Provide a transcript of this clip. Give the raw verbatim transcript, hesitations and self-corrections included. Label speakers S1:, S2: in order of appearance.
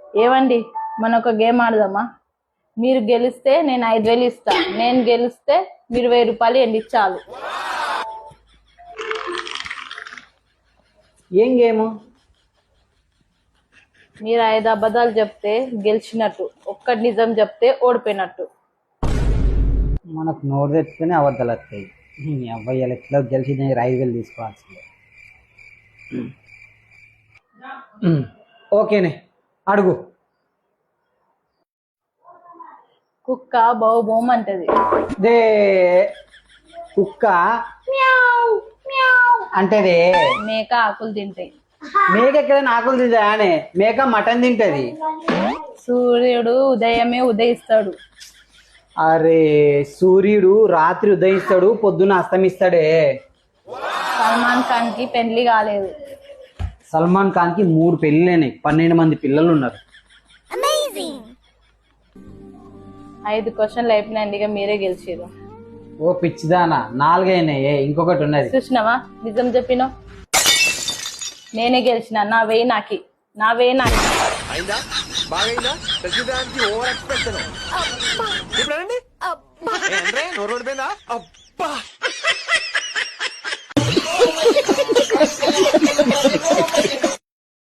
S1: ఏవండి మన ఒక గేమ్ ఆడదామా? మీరు గెలిస్తే నేను ఐదు వేలు ఇస్తా, నేను గెలిస్తే మీరు వెయ్యి రూపాయలు ఎండి చాలు.
S2: ఏం గేము?
S1: మీరు ఐదు అబద్ధాలు చెప్తే గెలిచినట్టు, ఒక్కటి నిజం చెప్తే ఓడిపోయినట్టు.
S2: మనకు నోరు తెచ్చుకుని అబద్ధాలు వస్తాయి. అబ్బాయి ఎట్లా గెలిచి నేను ఐదు వేలు తీసుకోవాల్సిందే. ఓకేనే, అడుగు.
S1: కుక్క బౌ బౌమ్ అంటది.
S2: దే కుక్క అంటేదే.
S1: మేక ఆకులు తింటాయి.
S2: మేక ఎక్కడైనా ఆకులు తింటానే? మేక మటన్ తింటది.
S1: సూర్యుడు ఉదయమే ఉదయిస్తాడు.
S2: అరే సూర్యుడు రాత్రి ఉదయిస్తాడు, పొద్దున అస్తమిస్తాడే.
S1: సల్మాన్ ఖాన్ కి పెళ్లి కాలేదు.
S2: సల్మాన్ ఖాన్ కి మూడు పెళ్ళిలేనాయి, పన్నెండు మంది పిల్లలు ఉన్నారు.
S1: ఐదు క్వశ్చన్లు అయిపోయినాయండి, ఇక మీరే గెలిచారు.
S2: ఓ పిచ్చిదానా, నాలుగైనాయే, ఇంకొకటి ఉన్నది.
S1: చూసినావా, నిజం చెప్పినావు. నేనే గెలిచిన. నా వేయి నాకి, నా వేయి నాకి.
S3: అయిందా? బాగైందా? ప్రతిదానికి ఓవర్ ఎక్స్ప్రెషన్. ఇప్పుడండి నోరు ఓడిపోయిందా? అబ్బా